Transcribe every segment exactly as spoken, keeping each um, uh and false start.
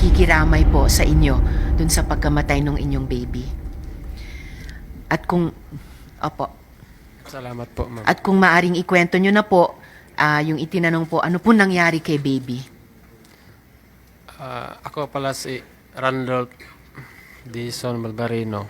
pakikiramay po sa inyo dun sa pagkamatay ng inyong baby. At kung, opo, Salamat po, ma'am. at kung maaring ikwento nyo na po, ah, yung itinanong po, ano po nangyari kay baby? Ah, ako pala si Randolph Dison Malbarino.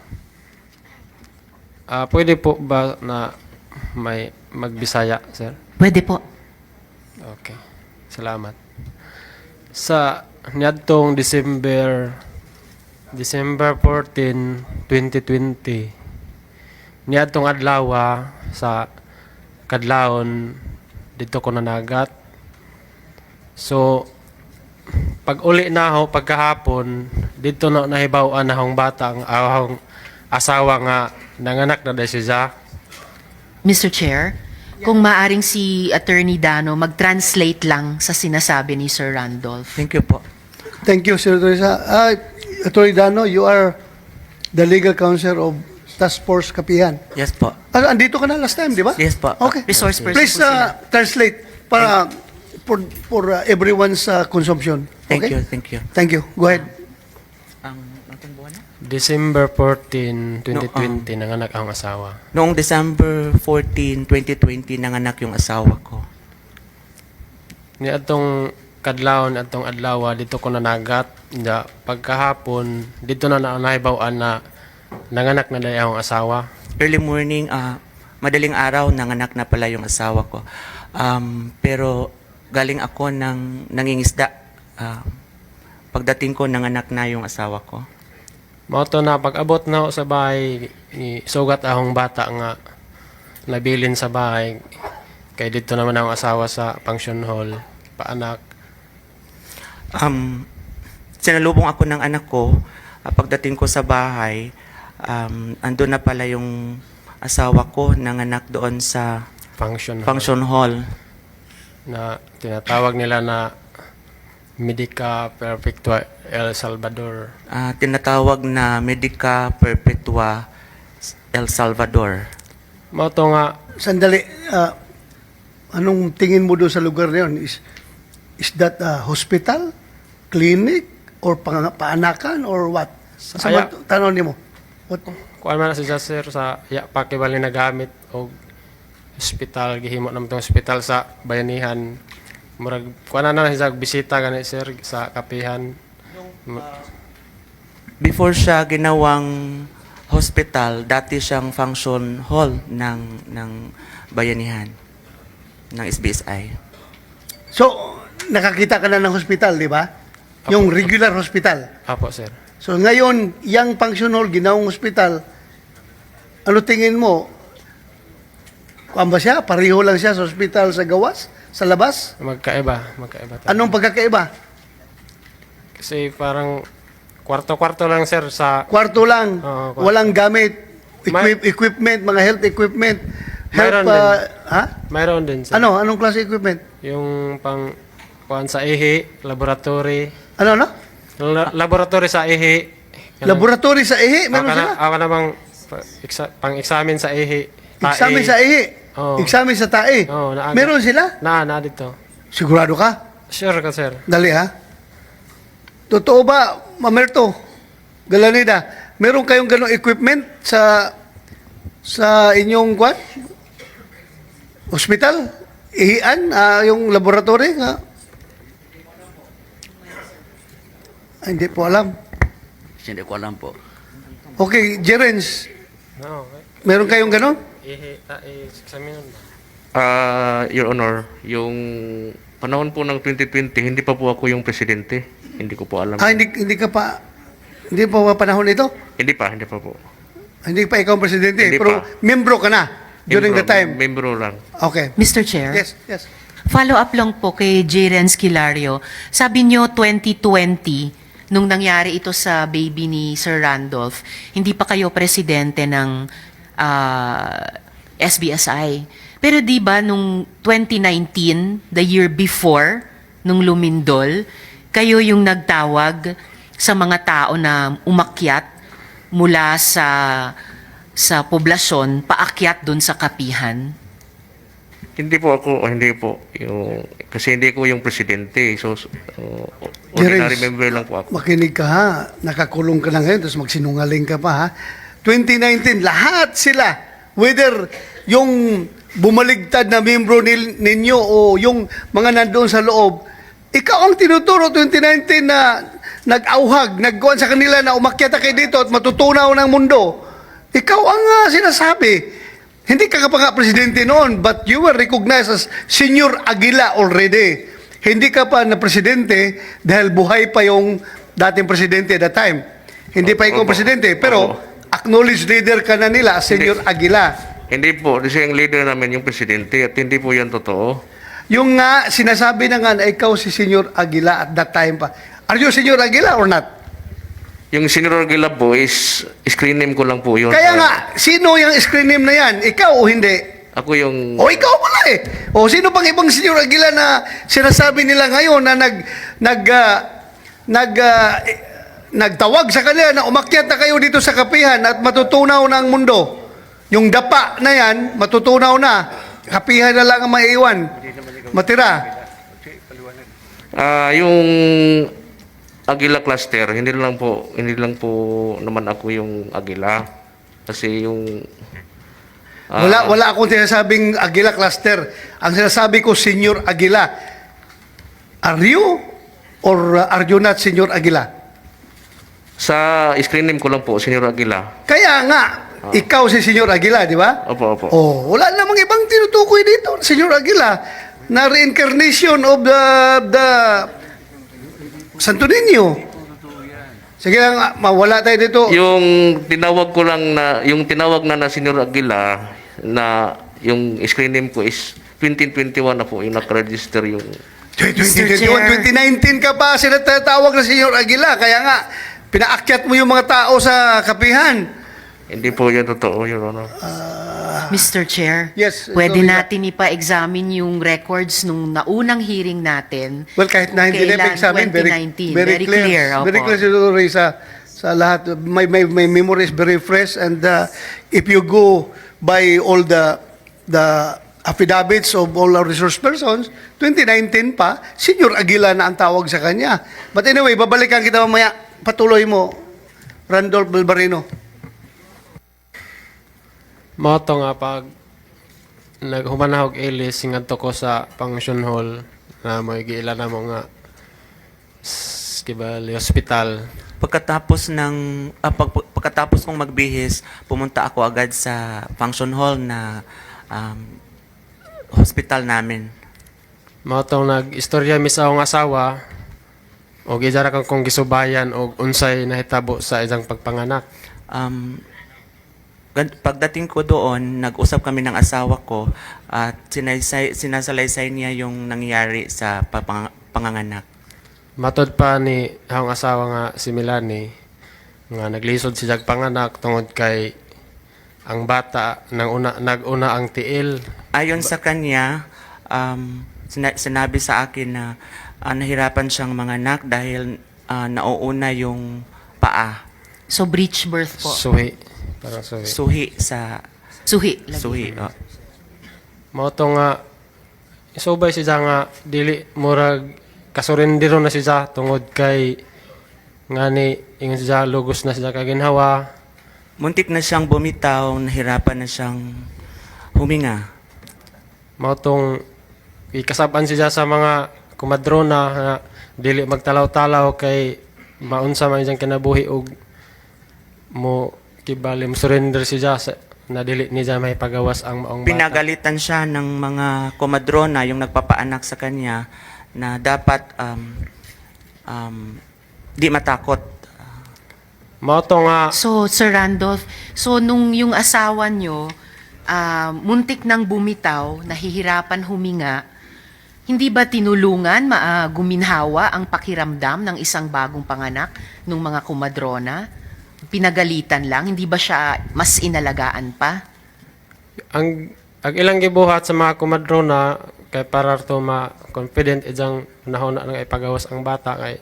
Ah, pwede po ba na may magbisaya, sir? Pwede po. Okay. Salamat. Sa niadtong December December fourteen, twenty twenty, niadtong adlaw sa kadlawon dito ko nanagat. So pag uli na ako pagkahapon dito na nahibaw-an na akong bata ang akong asawa nga nanganak na dahil siya. mister Chair, kung maaring si Attorney Dano mag-translate lang sa sinasabi ni Sir Randolph. Thank you po. Thank you, Sir Teresa. Uh, Attorney Dano, you are the legal counsel of Task Force Kapihan. Yes po. Ah, andito ka na last time, di ba? Yes po. Okay. Resource person Please po sila. uh, translate para for for uh, everyone's uh, consumption. Thank Okay? you, thank you. Thank you. Go ahead. Ang anong buwan na? December fourteen, twenty twenty nanganak ang asawa. Noong December fourteen, twenty twenty, nanganak yung asawa ko. Ni atong kadlawon atong adlaw dito ko nanagat da pagkahapon dito na na nahibaw-an na nanganak na dai akong asawa. Early morning, ah, madaling araw, nanganak na pala yung asawa ko. Um, pero galing ako ng nangingisda. Ah, pagdating ko, nanganak na yung asawa ko. Mao to na pag-abot na ako sa bahay i- sugat akong bata nga nabilin sa bahay kay dito naman ang asawa sa function hall paanak. Um, sinalubong ako ng anak ko. Ah, pagdating ko sa bahay, um, andun na pala yung asawa ko, nanganak doon sa Function hall function hall. na tinatawag nila na Medica Perpetua El Salvador. Ah, tinatawag na Medica Perpetua El Salvador. Mao to nga Sandali. Uh, anong tingin mo doon sa lugar na yun? Is, is that a hospital, clinic, or pang, paanakan, or what? Sa Aya- tanong niyo mo. What? kuan man na si sir sa ya pakibali na gamit o hospital gihimo naman tong hospital sa bayanihan murag kuan na na siya bisita gani sir sa kapihan. Before siya ginawang hospital, dati siyang function hall ng ng bayanihan ng S B S I. So, nakakita ka na ng hospital, di ba? Yung regular hospital. Apo sir. So, ngayon, yung function hall, ginawang hospital, ano tingin mo? Kuan ba siya? Pareho lang siya sa hospital sa gawas? Sa labas? Magkaiba, magkaiba tayo. Anong pagkakaiba? Kasi parang kwarto-kwarto lang sir sa Kwarto lang, Oo, kwarto. walang gamit, May- equip, equipment, mga health equipment. Mayroon Health, din. uh, ha? mayroon din sir. Ano? Anong klase equipment? Yung pang kuan sa ihi, laboratory. Ano, ano? La- laboratory sa ihi. Ganun. Laboratory sa ihi, meron Ako na, sila? ako namang pa- eksa- pang-examine sa ihi. Tae. Examen sa ihi. Oo. Examen sa tae. Oo, naaga. Meron sila? Na, na dito. Sigurado ka? Sure ka, sir. Dali ha. Totoo ba, Mamerto, Galanida, meron kayong ganong equipment sa sa inyong kwan? Hospital? Ihian? Ah, yung laboratory? Ha? Ay, hindi po alam. Hindi ko alam po. Okay, Jerens, No, okay. meron kayong ganon? Ihi, tae, examine ba? Ah, Your Honor, yung panahon po ng twenty twenty, hindi pa po ako yung presidente. Hindi ko po alam. Ah, hindi, hindi ka pa, hindi pa ba panahon ito? Hindi pa, hindi pa po. Hindi pa ikaw ang presidente, Hindi pero pa. membro ka na during Membro- the time. Membro lang. Okay. mister Chair? Yes, yes. Follow up lang po kay J. Renz Kilario. Sabi nyo twenty twenty, nung nangyari ito sa baby ni Sir Randolph, hindi pa kayo presidente ng ah, S B S I. Pero di ba nung twenty nineteen, the year before, nung lumindol, kayo yung nagtawag sa mga tao na umakyat mula sa sa poblasyon paakyat doon sa kapihan? Hindi po ako, oh, hindi po. Yung, kasi hindi ko yung presidente. So, so uh, Jerens, ordinary member lang po ako. Makinig ka ha. Nakakulong ka na ngayon, tapos magsinungaling ka pa ha. twenty nineteen, lahat sila, whether yung bumaligtad na membro nil, ninyo o yung mga nandoon sa loob, ikaw ang tinuturo twenty nineteen na nag-auhag, nagkuhan sa kanila na umakyat kayo dito at matutunaw ng mundo. Ikaw ang uh, sinasabi. Hindi ka pa nga presidente noon, but you were recognized as Senior Aguila already. Hindi ka pa na presidente dahil buhay pa yung dating presidente at that time. Hindi pa ikaw Opo. presidente, pero Opo. acknowledged leader ka na nila, Senior Aguila. Hindi po, kasi yung leader namin yung presidente at hindi po yan totoo. Yung nga, sinasabi na nga na ikaw si Senior Aguila at that time pa. Are you Senior Aguila or not? Yung Senior Aguila po is screen name ko lang po yun. Kaya nga, sino yung screen name na yan? Ikaw o hindi? Ako yung... O ikaw pala eh. O sino pang ibang Senior Aguila na sinasabi nila ngayon na nag nag ah, nag ah, eh, nagtawag sa kanila na umakyat na kayo dito sa kapihan at matutunaw na ang mundo. Yung dapa na yan, matutunaw na. Kapihan na lang ang maiiwan. Matira. Ah, yung Aguila cluster, hindi lang po, hindi lang po naman ako yung Aguila. Kasi yung ah, Wala wala akong sinasabing Aguila cluster. Ang sinasabi ko Senior Aguila. Are you or uh, are you not Senior Aguila? sa screen name ko lang po, Senior Aguila. Kaya nga, ikaw si Senior Aguila, di ba? Opo, opo. Oh, wala namang ibang tinutukoy dito, Senior Aguila, na reincarnation of the the Santo Niño. Sige lang, mawala tayo dito. Yung tinawag ko lang na, yung tinawag na na Senior Aguila, na yung screen name ko is twenty twenty-one na po, yung nakaregister yung... twenty Mister twenty-one, Chair. twenty nineteen ka pa sinatawag na Senior Aguila. Kaya nga, pinaakyat mo yung mga tao sa kapihan. Hindi po yan totoo, Your Honor. Mister Chair, Yes, pwede sorry. natin ipa-examine yung records nung naunang hearing natin. Well, kahit na hindi na Kailan? examine, very, twenty nineteen. very, Very clear. clear, opo. Very clear, Senator Ray, sa, sa lahat. My, my, my memory is very fresh and uh, if you go by all the the affidavits of all our resource persons, twenty nineteen pa, Senior Aguila na ang tawag sa kanya. But anyway, babalikan kita mamaya. Patuloy mo, Randolph Balbarino. Moto nga pag naghumanahog ilis singadto ko sa function hall na may giila na mo nga s- kibali hospital. Pagkatapos ng ah, pag, pag- pagkatapos kong magbihis, pumunta ako agad sa function hall na um, hospital namin. Moto nag-istorya mi sa akong asawa o gidara kang kong gisubayan o unsay nahitabo sa isang pagpanganak. Um, gan- pagdating ko doon, nag-usap kami ng asawa ko at sinaysay, sinasalaysay niya yung nangyari sa papang- panganganak. Matod pa ni akong asawa nga si Milani nga naglisod si jag panganak tungod kay ang bata nang una naguna ang tiil. Ayon sa kanya, um, sina- sinabi sa akin na ah, nahirapan siyang manganak dahil ah, nauuna yung paa, So, breech birth po. Suhi. Parang suhi. suhi sa Suhi. lagi. suhi. oh. Moto nga isubay siya nga dili murag kasurindiro na siya tungod kay ngani ingon siya lugos na siya kaginhawa. Muntik na siyang bumitaw, nahirapan na siyang huminga. Motong ikasaban siya sa mga kumadrona nga dili magtalaw-talaw kay maunsa man siyang kinabuhi og mo kibali mo surrender siya sa na dili niya may pagawas ang maong bata. Pinagalitan siya ng mga komadrona, yung nagpapaanak sa kanya, na dapat um, um, di matakot. Moto nga So, Sir Randolph, so nung yung asawa nyo, ah, muntik nang bumitaw, nahihirapan huminga, hindi ba tinulungan, ma, ah, guminhawa ang pakiramdam ng isang bagong panganak nung mga kumadrona? Pinagalitan lang, hindi ba siya mas inalagaan pa? ang ang ilang gibuhat sa mga kumadrona kay para to ma confident ijang nahon na ipagawas ang bata kay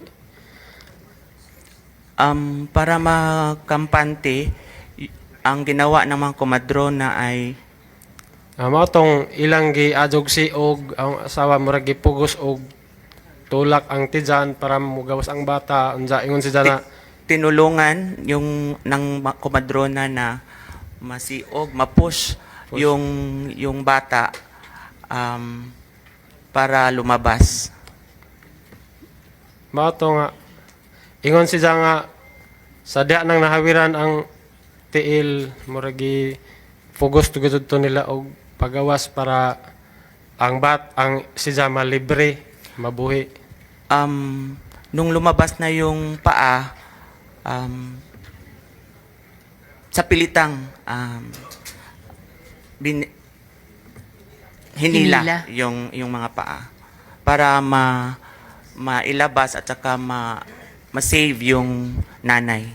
Um, para makampante, y- ang ginawa ng mga komadrona ay Ah, mao tong ilang giadjog si og ang asawa murag gipugos og tulak ang tijan para mugawas ang bata unsa ingon si na Tinulungan yung ng ma- komadrona na masiog, mapush yung yung bata um, para lumabas. mao to nga ingon si nga sa diha nang nahawiran ang tiil murag gi fugos tugod to nila og pagawas para ang bat ang si Jama libre mabuhi. Um, nung lumabas na yung paa, um, sa pilitang um, bin, hinila, Hinila. yung yung mga paa para ma mailabas at saka ma ma-save yung nanay.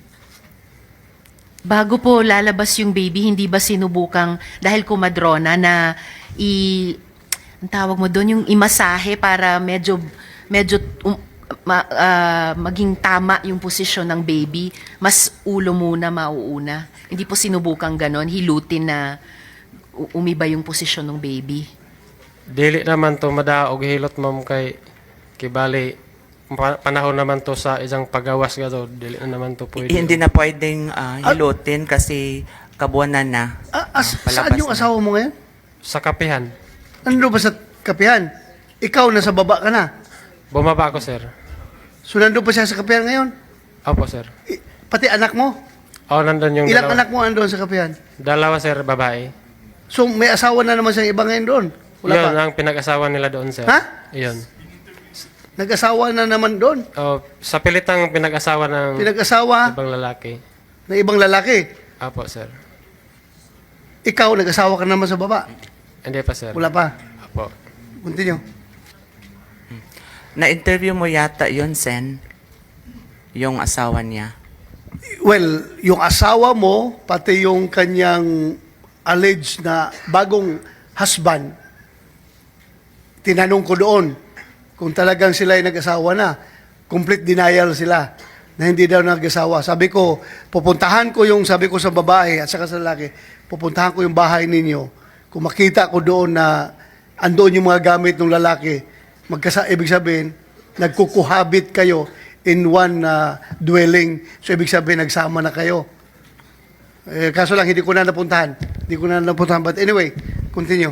Bago po lalabas yung baby, hindi ba sinubukang, dahil kumadrona, na i... ang tawag mo doon, yung imasahe para medyo, medyo um, ma- ah, maging tama yung posisyon ng baby, mas ulo muna mauuna. Hindi po sinubukang ganon, hilutin na u- umiba yung posisyon ng baby. Dili naman to madaog hilot ma'am kay kibali pa- panahon naman to sa isang pagawas gato dili na naman to pwede. Hindi na pwedeng ah, hilutin kasi kabuanan na. Ah, as, Ah, palabas saan yung na. asawa mo ngayon? Sa kapihan. Nandun ba sa kapihan? Ikaw, nasa baba ka na. Bumaba ako sir. So, nandun pa siya sa kapihan ngayon? Opo sir. I- pati anak mo? Oh, nandun yung Ilang dalawa. anak mo andun sa kapihan? Dalawa sir, babae. So, may asawa na naman siyang iba ngayon doon? Wala Yun pa? ang pinag-asawa nila doon sir. Ha? Yun. Nag-asawa na naman doon? Oh, sa pilitang pinag-asawa ng Pinag-asawa ibang lalaki. ng ibang lalaki? Opo sir. Ikaw, nag-asawa ka naman sa baba? Hindi pa sir. Wala pa? Opo. Continue. Na-interview mo yata yun, Sen, yung asawa niya. Well, yung asawa mo, pati yung kanyang alleged na bagong husband, tinanong ko doon kung talagang sila ay nag-asawa na. Complete denial sila na hindi daw nag-asawa. Sabi ko, pupuntahan ko yung, sabi ko sa babae at saka sa lalaki, pupuntahan ko yung bahay ninyo. Kung makita ko doon na andoon yung mga gamit ng lalaki, magkasa, ibig sabihin, nagkukuhabit kayo in one uh, dwelling. So, ibig sabihin, nagsama na kayo. Eh, kaso lang, hindi ko na napuntahan. Hindi ko na napuntahan. But anyway, continue.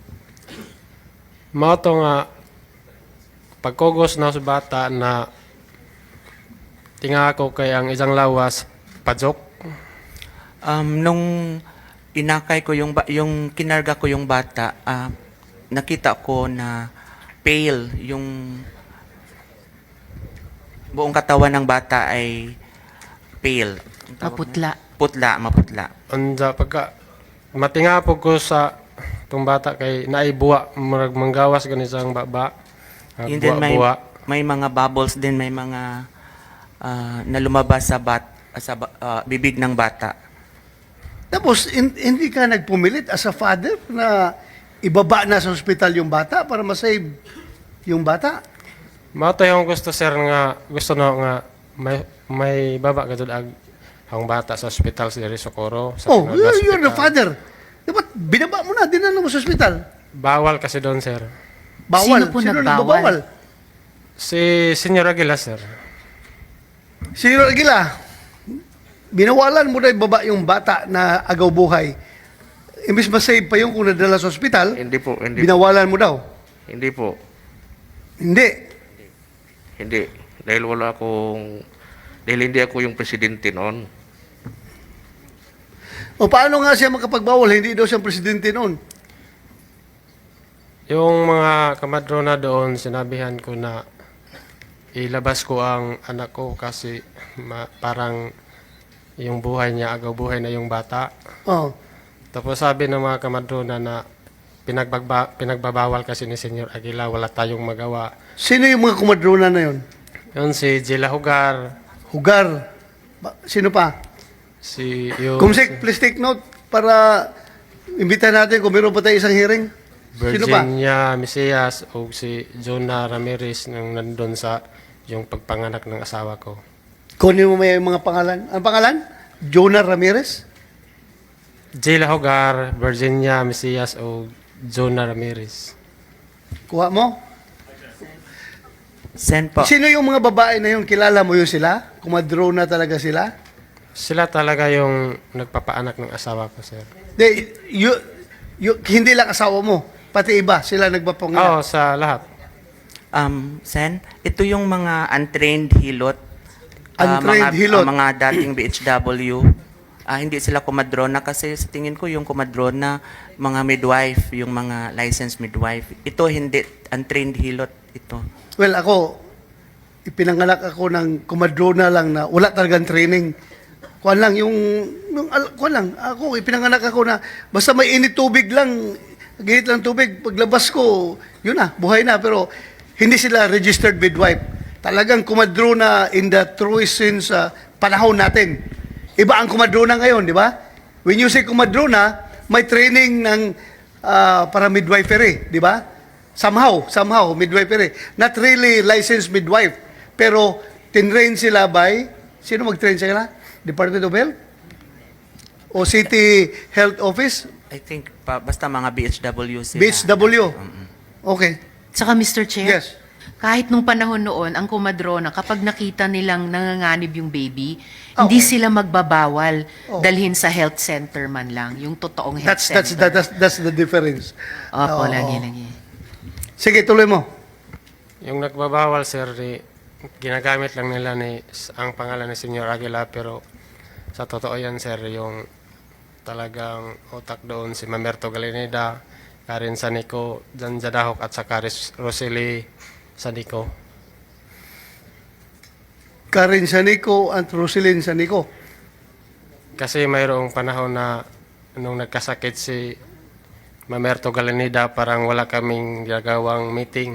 Mao to nga pagkugos na sa bata na tinga ko kay ang isang lawas pajok. Um, nung inakay ko yung, ba- yung kinarga ko yung bata, ah, nakita ko na pale yung buong katawan ng bata ay pale. Ang tawag Maputla. mo? Putla, maputla. Anda pagka matinga po ko sa tong bata kay naay buwa murag manggawas gani sang baba. Ah, Yun din may, buwa. may mga bubbles din, may mga ah, na lumabas sa, bat, sa ba- ah, bibig ng bata. Tapos, hin- hindi ka nagpumilit as a father na ibaba na sa ospital yung bata para masave yung bata? Mao to yung gusto sir nga gusto no nga may may baba gadud ag ang bata sa ospital sa diri Socorro sa Oh, Tinola you're, you're the Hospital. father. Dapat binaba mo na, dinala mo sa ospital. Bawal kasi doon sir. Bawal. Sino po Sino nagbawal? nagbabawal? Si Senyor Aguila sir. Si Aguila, binawalan mo na ibaba yung bata na agaw buhay. Imbis masave pa yung kung nadala sa ospital, Hindi po, hindi po. binawalan mo daw. Hindi po. Hindi. Hindi. Dahil wala akong... Dahil hindi ako yung presidente noon. O paano nga siya makapagbawal? Hindi daw siyang presidente noon. Yung mga kamadrona doon, sinabihan ko na ilabas ko ang anak ko kasi ma- parang yung buhay niya, agaw buhay na yung bata. Oh. Tapos sabi ng mga kamadrona na pinagbagba, pinagbabawal kasi ni Senyor Aguila, wala tayong magawa. Sino yung mga kumadrona na yun? Yun si Jela Hugar, Hugar. Ba- Sino pa? si yung Kumsik, please take note para imbitahan natin kung meron pa tayo isang hearing. Sino pa? Virginia Mesias o si Jonah Ramirez nang nandun sa yung pagpanganak ng asawa ko. Kunin mo may mga pangalan. Ang pangalan? Jonah Ramirez? Jayla Hogar, Virginia Mesias o Jonah Ramirez. Kuha mo? Sen po. Sino yung mga babae na yun? Kilala mo yun sila? Kumadrona talaga sila? Sila talaga yung nagpapaanak ng asawa ko, sir. De, yu, yu, hindi lang asawa mo, pati iba, sila nagpapanganak. Oo, sa lahat. Um, Sen, ito yung mga untrained hilot. Ah, Untrained mga, hilot. ah, mga dating B H W. Ah, hindi sila kumadrona kasi sa tingin ko yung kumadrona, mga midwife, yung mga licensed midwife. Ito hindi, untrained hilot ito. Well, ako, ipinanganak ako ng kumadrona lang na wala talagang training. Kuan lang, yung, yung al- kuan lang, ako, ipinanganak ako na basta may init tubig lang, ginit lang tubig, paglabas ko, yun na, buhay na. Pero hindi sila registered midwife. Talagang kumadrona in the truest sense sa panahon natin. Iba ang kumadrona ngayon, di ba? When you say kumadrona, may training ng ah, para midwifery, di ba? Somehow, somehow, midwifery. Not really licensed midwife. Pero, tinrain sila by, sino mag-train sila? Department of Health? O City Health Office? I think, pa, basta mga B H W sila. B H W? Okay. Saka Mister Chair, Yes. kahit nung panahon noon, ang kumadrona, kapag nakita nilang nanganganib yung baby, Oo. hindi sila magbabawal Oo. dalhin sa health center man lang, yung totoong health That's, that's, center. that's, that's the difference. Opo, Oo. lagi, lagi. Sige, tuloy mo. Yung nagbabawal, sir, di, ginagamit lang nila ni, ang pangalan ni Senyor Aguila, pero sa totoo yan, sir, yung talagang utak doon si Mamerto Galineda, Karen Sanico, Jan Jadahok at saka Ris- Rosely Sanico. Karen Sanico at Roselyn Sanico. Kasi mayroong panahon na nung nagkasakit si Mamerto Galineda, parang wala kaming ginagawang meeting.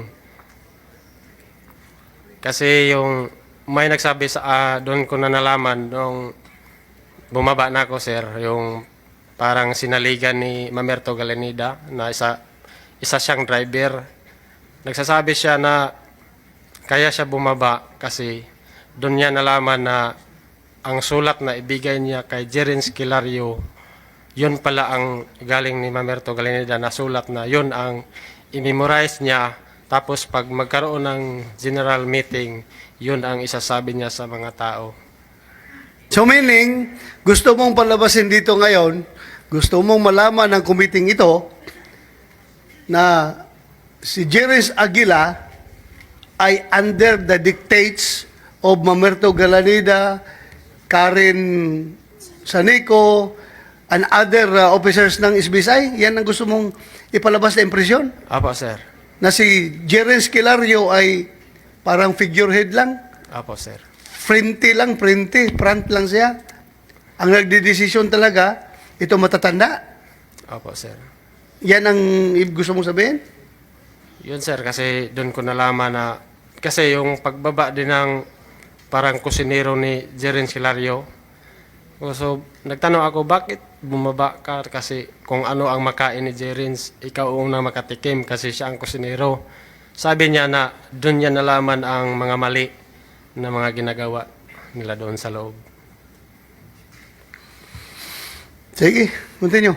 Kasi yung may nagsabi sa ah, doon ko na nalaman nung bumaba na ako, sir, yung parang sinaligan ni Mamerto Galineda na isa isa siyang driver. Nagsasabi siya na kaya siya bumaba kasi doon niya nalaman na ang sulat na ibigay niya kay Jerens Kilario, yun pala ang galing ni Mamerto Galineda na sulat na yun ang i-memorize niya. Tapos pag magkaroon ng general meeting, yun ang isasabi niya sa mga tao. So meaning, gusto mong palabasin dito ngayon, gusto mong malaman ng committee ito na si Jerez Aguila ay under the dictates of Mamerto Galanida, Karen Sanico, and other uh, officers ng S B S I? Yan ang gusto mong ipalabas na impresyon? Apo, sir. Na si Jerez Kilario ay parang figurehead lang? Apo, sir. Frente lang, frente, front lang siya. Ang nagdidesisyon talaga, ito matatanda. Apo, sir. Yan ang i- gusto mong sabihin? Yun, sir, kasi doon ko nalaman na kasi yung pagbaba din ng parang kusinero ni Jerens Kilario. So, nagtanong ako, bakit bumaba ka? Kasi kung ano ang makain ni Jerens, ikaw ang unang makatikim kasi siya ang kusinero. Sabi niya na doon niya nalaman ang mga mali na mga ginagawa nila doon sa loob. Sige, continue.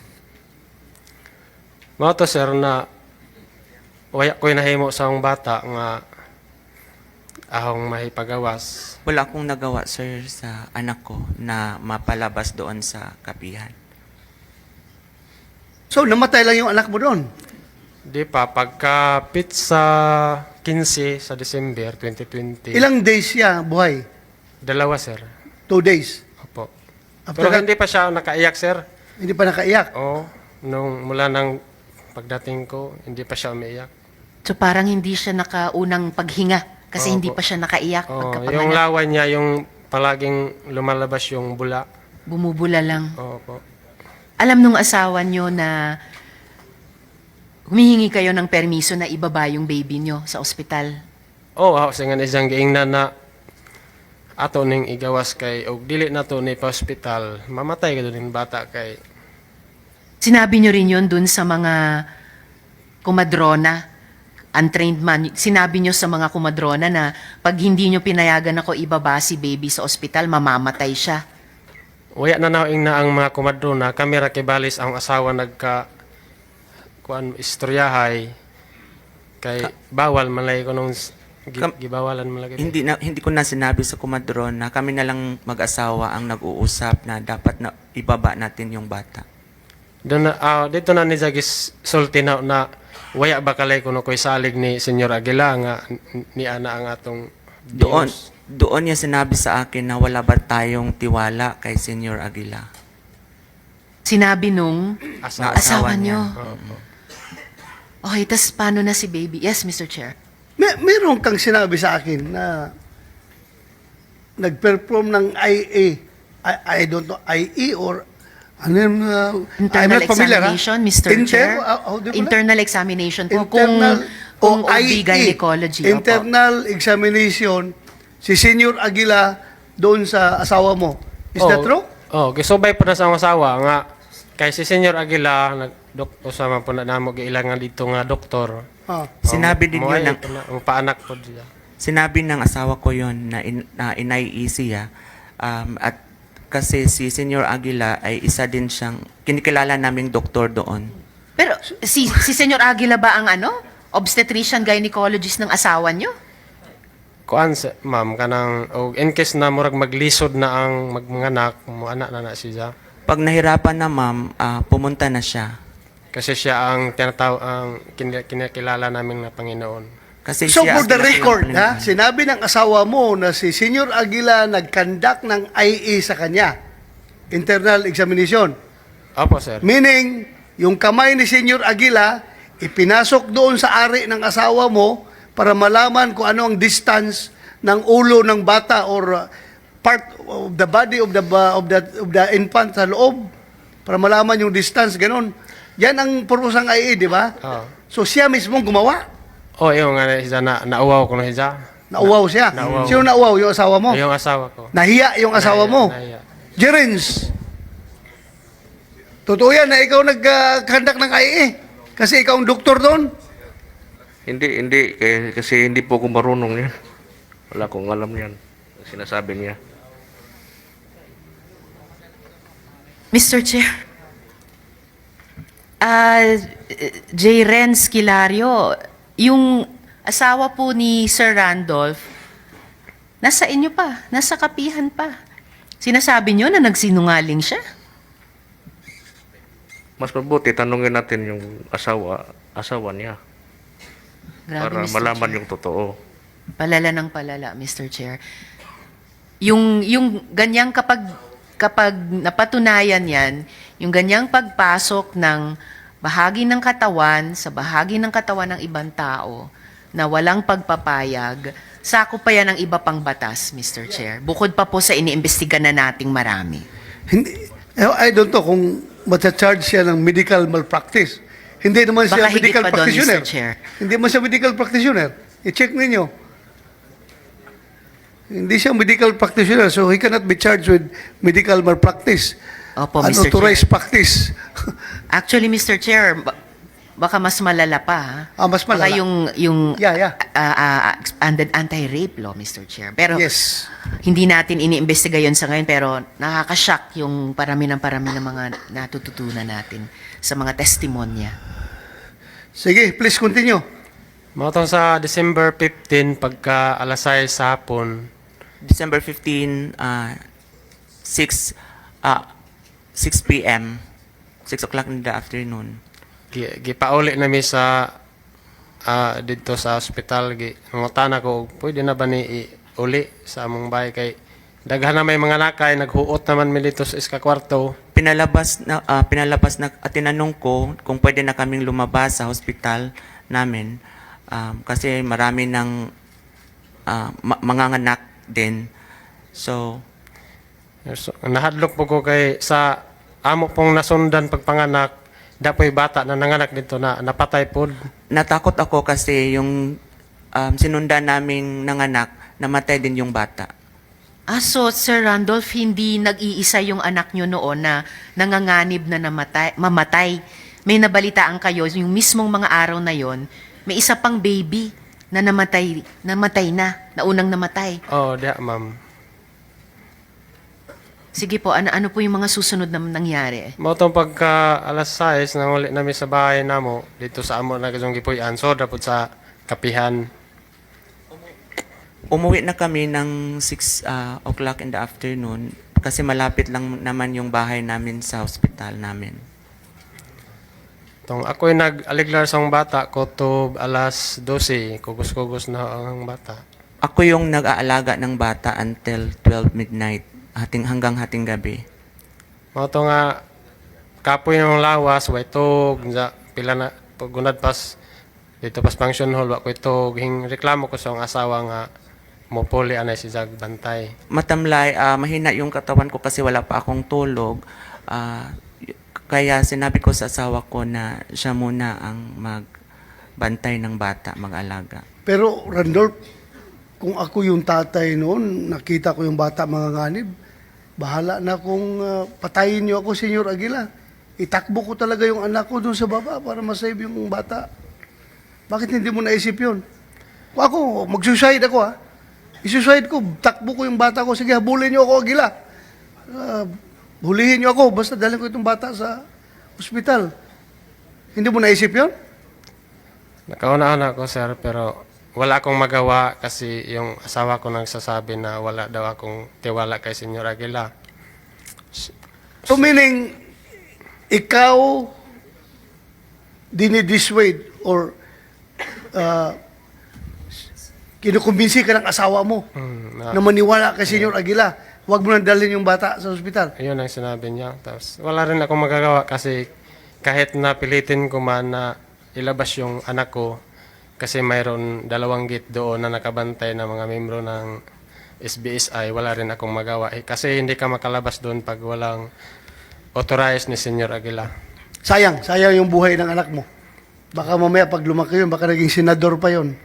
Mga to, sir, na waya ko'y nahimo sa akong bata nga ahong mahipagawas. Wala akong nagawa, sir, sa anak ko na mapalabas doon sa kapihan. So, namatay lang yung anak mo doon. Di pa, pagka pizza quince sa December twenty twenty. Ilang days siya buhay? Dalawa, sir. Two days. Opo. After Pero that, hindi pa siya nakaiyak, sir. hindi pa nakaiyak. Oo. Nung mula ng pagdating ko, hindi pa siya umiiyak. So parang hindi siya nakaunang paghinga kasi Oo hindi po. pa siya nakaiyak Oo, pagkapanganak. yung laway niya, yung palaging lumalabas yung bula. Bumubula lang. Oo po. Alam nung asawa nyo na humihingi kayo ng permiso na ibaba yung baby nyo sa ospital. Oo, ako sa nga isang giingnan na ato ning igawas kay og dili na to ni pa hospital, mamatay ka doon bata kay Sinabi nyo rin yun dun sa mga kumadrona, untrained man. Sinabi nyo sa mga kumadrona na pag hindi nyo pinayagan ako ibaba si baby sa ospital, mamamatay siya. waya na naing na ang mga kumadrona, kami ra kibalis ang asawa nagka kuan istoryahay kay bawal man lay ko nung s- gi, Kam- gibawalan man lagi. Hindi na hindi ko na sinabi sa kumadron na kami na lang mag-asawa ang nag-uusap na dapat na ibaba natin yung bata. Doon na, ah, dito na ni Jagis sulti na, na waya ba kalay kuno koy salig ni Senyor Aguila nga n- ni ana ang atong Doon Dios. doon niya sinabi sa akin na wala ba tayong tiwala kay Senyor Aguila. Sinabi nung Asawa. Na asawa niya. nyo. Oo. Okay, tas paano na si baby? Yes, Mister Chair. May, meron kang sinabi sa akin na nag-perform ng I A. I, I don't know, I E or ano yun, uh, I'm Internal not familiar, ha? examination, Mister Inter- Chair. uh, how do you call it? Internal examination po. Internal kung, kung o O B I E, gynecology. opo. Internal examination, si Senyor Aguila doon sa asawa mo. Is that true? Oh, gisubay po na sa akong asawa nga kay si Senyor Aguila nag dok usama po na namo giilangan dito nga doktor. Ah. Sinabi din Mo- yun mo- ng ay, ang paanak po diya. Sinabi ng asawa ko yon na, in, na inai siya um, at kasi si Senyor Aguila ay isa din siyang kinikilala naming doktor doon. Pero si si Senyor Aguila ba ang ano? Obstetrician gynecologist ng asawa nyo? Kuan sa ma'am kanang og in case na murag maglisod na ang magmanganak, mo anak na na siya. Pag nahirapan na ma'am, ah, pumunta na siya. Kasi siya ang tinataw ang kin- kinakilala namin na Panginoon. Kasi So siya for ang the pinaka- record, ha, sinabi ng asawa mo na si Senyor Aguila nag-conduct ng I A sa kanya. Internal examination. Opo, sir. Meaning, yung kamay ni Senyor Aguila, ipinasok doon sa ari ng asawa mo para malaman kung ano ang distance ng ulo ng bata or uh, part of the body of the ba- of the of the infant sa loob para malaman yung distance ganon. Yan ang purpose ng I A, di ba? Oo. So siya mismo gumawa. Oh, yung nga siya na nauwaw ko na siya. Nauwaw siya. Nauwaw. Sino nauwaw? Yung asawa mo? Yung asawa ko. Nahiya yung asawa Nahiya, mo. nahiya. Jerens, totoo yan na ikaw nag-conduct ng I A. Kasi ikaw ang doktor doon. Hindi, hindi. Kaya, kasi hindi po ako marunong yan. Wala akong alam yan. Ang sinasabi niya. Mister Chair. Ah, J. Renz Kilario, yung asawa po ni Sir Randolph, nasa inyo pa, nasa kapihan pa. Sinasabi nyo na nagsinungaling siya? Mas mabuti, tanungin natin yung asawa, asawa niya. Grabe, para Mister malaman Chair. yung totoo. Palala ng palala, Mister Chair. Yung, yung ganyang kapag, kapag napatunayan yan, yung ganyang pagpasok ng bahagi ng katawan sa bahagi ng katawan ng ibang tao na walang pagpapayag, sako pa yan ng iba pang batas, Mister Chair. Bukod pa po sa iniimbestiga na nating marami. Hindi, I don't know kung matcha-charge siya ng medical malpractice. Hindi naman siya Baka higit medical pa doon, practitioner. Mister Chair. Hindi naman siya medical practitioner. I-check ninyo. Hindi siya medical practitioner, so he cannot be charged with medical malpractice. Opo, Mister Unauthorized Chair. practice. Actually, Mister Chair, ba- baka mas malala pa. Ha? Ah, mas malala. Baka yung, yung Yeah, yeah. ah, ah, expanded anti-rape law, Mister Chair. Pero Yes. hindi natin iniimbestiga yon sa ngayon, pero nakakashock yung parami ng parami ng mga natututunan natin sa mga testimonya. Sige, please continue. Matong sa December fifteenth, pagka alas sais sa hapon, December fifteenth, uh, six, uh, six p m six o'clock in the afternoon. gi- gipauli nami sa ah, dito sa ospital gi nangutana ko pwede na ba ni uli sa among bahay kay daghan na may mga nakay naghuot naman mi dito sa iska kwarto. Pinalabas na ah, pinalabas na at tinanong ko kung pwede na kaming lumabas sa hospital namin um, kasi marami ng ah, ma- manganganak din. So, So, nahadlok po ko kay sa amo pong nasundan pagpanganak dapoy bata na nanganak dito na napatay pod. natakot ako kasi yung um, sinundan naming nanganak, namatay din yung bata. Ah, so Sir Randolph, hindi nag-iisa yung anak nyo noon na nanganganib na namatay, mamatay. May nabalitaan kayo, yung mismong mga araw na yon, may isa pang baby na namatay, namatay na, na unang namatay. Oh, diha ma'am. Sige po, ano, ano po yung mga susunod na nangyari? Motong pagka alas sais nang uli namin sa bahay namo dito sa amo na kasong gipuy-an so dapat sa kapihan. Umuwi na kami ng six uh, o'clock in the afternoon kasi malapit lang naman yung bahay namin sa hospital namin. Tong ako'y nag-aliglar sa bata ko to alas dose, kugos-kugos na ang bata. Ako yung nag-aalaga ng bata until twelve midnight, hating hanggang hating gabi. Moto nga kapoy ng lawas way tog sa pila na pagunad pas dito pas function hall wa ko ito hing reklamo ko sa akong asawa nga mopuli anay si Jag bantay. Matamlay, ah, mahina yung katawan ko kasi wala pa akong tulog. Ah, y- kaya sinabi ko sa asawa ko na siya muna ang magbantay ng bata, mag-alaga. Pero Randolph, kung ako yung tatay noon, nakita ko yung bata mga nganib, bahala na kung ah, patayin niyo ako, Senyor Aguila. Itakbo ko talaga yung anak ko doon sa baba para masave yung bata. Bakit hindi mo naisip yun? Kung ako, mag-suicide ako ha. I-suicide ko, takbo ko yung bata ko. Sige, habulin niyo ako, Aguila. Ah, hulihin niyo ako, basta dalhin ko itong bata sa ospital. Hindi mo naisip yun? Nakauna-una ko sir pero wala akong magawa kasi yung asawa ko nagsasabi na wala daw akong tiwala kay Senyor Aguila. So meaning, ikaw dinidissuade or uh, kinukumbinsi ka ng asawa mo Hmm, na, na maniwala kay Senyor Aguila, huwag mo nang dalhin yung bata sa ospital. Ayun ang sinabi niya. Tapos wala rin akong magagawa kasi kahit napilitin ko man na ilabas yung anak ko kasi mayroon dalawang gate doon na nakabantay na mga membro ng S B S I, wala rin akong magawa. Eh, kasi hindi ka makalabas doon pag walang authorized ni Senyor Aguila. Sayang, sayang yung buhay ng anak mo. Baka mamaya pag lumaki yun, baka naging senador pa yun.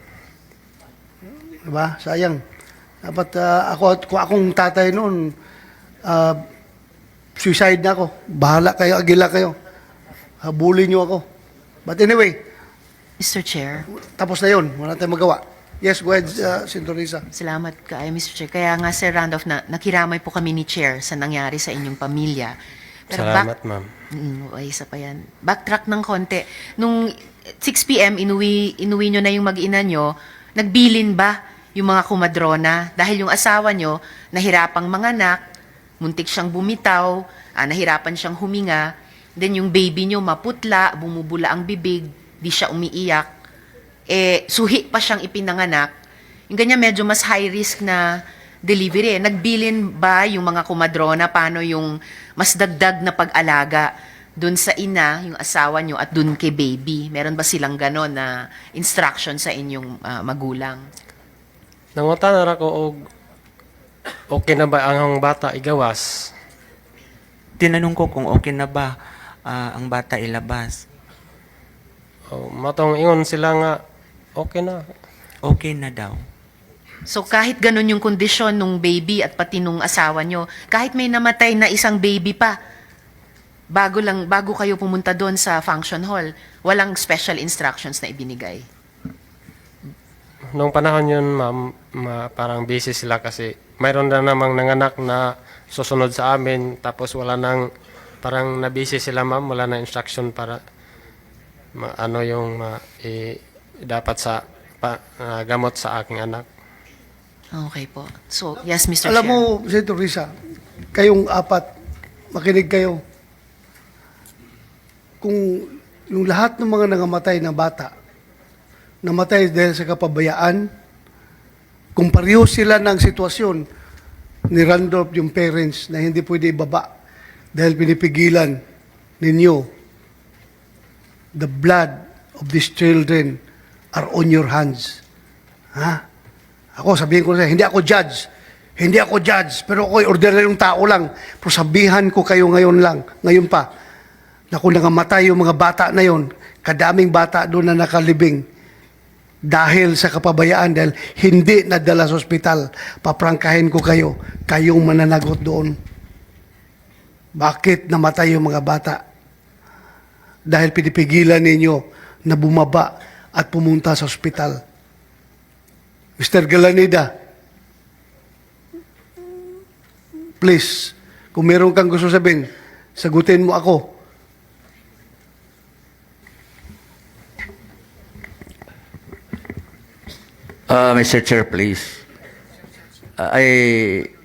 Diba? Sayang. Dapat ah, ako, kung akong tatay noon, ah, suicide na ako. Bahala kayo, Aguila kayo. Habulin niyo ako. But anyway, Mister Chair, tapos na yun. Wala tayong magawa. Yes, go ahead, uh, Senator Risa. salamat kaayo, Mister Chair. Kaya nga, Sir Randolph, na, nakiramay po kami ni Chair sa nangyari sa inyong pamilya. Salamat, back- ma'am. Mm, ay, isa pa yan. Backtrack ng konti. Nung six p.m., inuwi, inuwi nyo na yung mag-ina nyo, nagbilin ba yung mga kumadrona? Dahil yung asawa nyo, nahirapang manganak, muntik siyang bumitaw, ah, nahirapan siyang huminga, then yung baby nyo maputla, bumubula ang bibig, di siya umiiyak, eh, suhi pa siyang ipinanganak. Yung ganyan medyo mas high risk na delivery. Nagbilin ba yung mga kumadrona paano yung mas dagdag na pag-alaga dun sa ina, yung asawa nyo, at dun kay baby? Meron ba silang ganon na instruction sa inyong ah, magulang? Nangutan na ko og okay na ba ang bata igawas? Tinanong ko kung okay na ba ah, ang bata ilabas. O, matong ingon sila nga okay na. Okay na daw. So kahit ganun yung kondisyon nung baby at pati nung asawa nyo, kahit may namatay na isang baby pa, bago lang bago kayo pumunta doon sa function hall, walang special instructions na ibinigay. Nung panahon yun, ma'am, ma- parang busy sila kasi mayroon na namang nanganak na susunod sa amin tapos wala nang parang na-busy sila, ma'am, wala na instruction para ma- ano yung ma- i- dapat sa pa- ah, gamot sa aking anak. Okay po. So, yes, Mister Alam Chair. mo, Senator Risa, kayong apat, makinig kayo. Kung yung lahat ng mga nangamatay na bata, namatay dahil sa kapabayaan, kung pareho sila ng sitwasyon ni Randolph, yung parents, na hindi pwede ibaba dahil pinipigilan ninyo, the blood of these children are on your hands. Ha? Ako, sabihin ko sa hindi ako judge. Hindi ako judge, pero ako'y ordinaryong tao lang. Pero sabihan ko kayo ngayon lang, ngayon pa, na kung nangamatay yung mga bata na yon, kadaming bata doon na nakalibing, dahil sa kapabayaan, dahil hindi nadala sa ospital, paprangkahin ko kayo, kayong mananagot doon. Bakit namatay yung mga bata? Dahil pinipigilan ninyo na bumaba at pumunta sa ospital. Mister Galanida, please, Kung meron kang gusto sabihin, sagutin mo ako. Uh, Mister Chair, please. Uh, I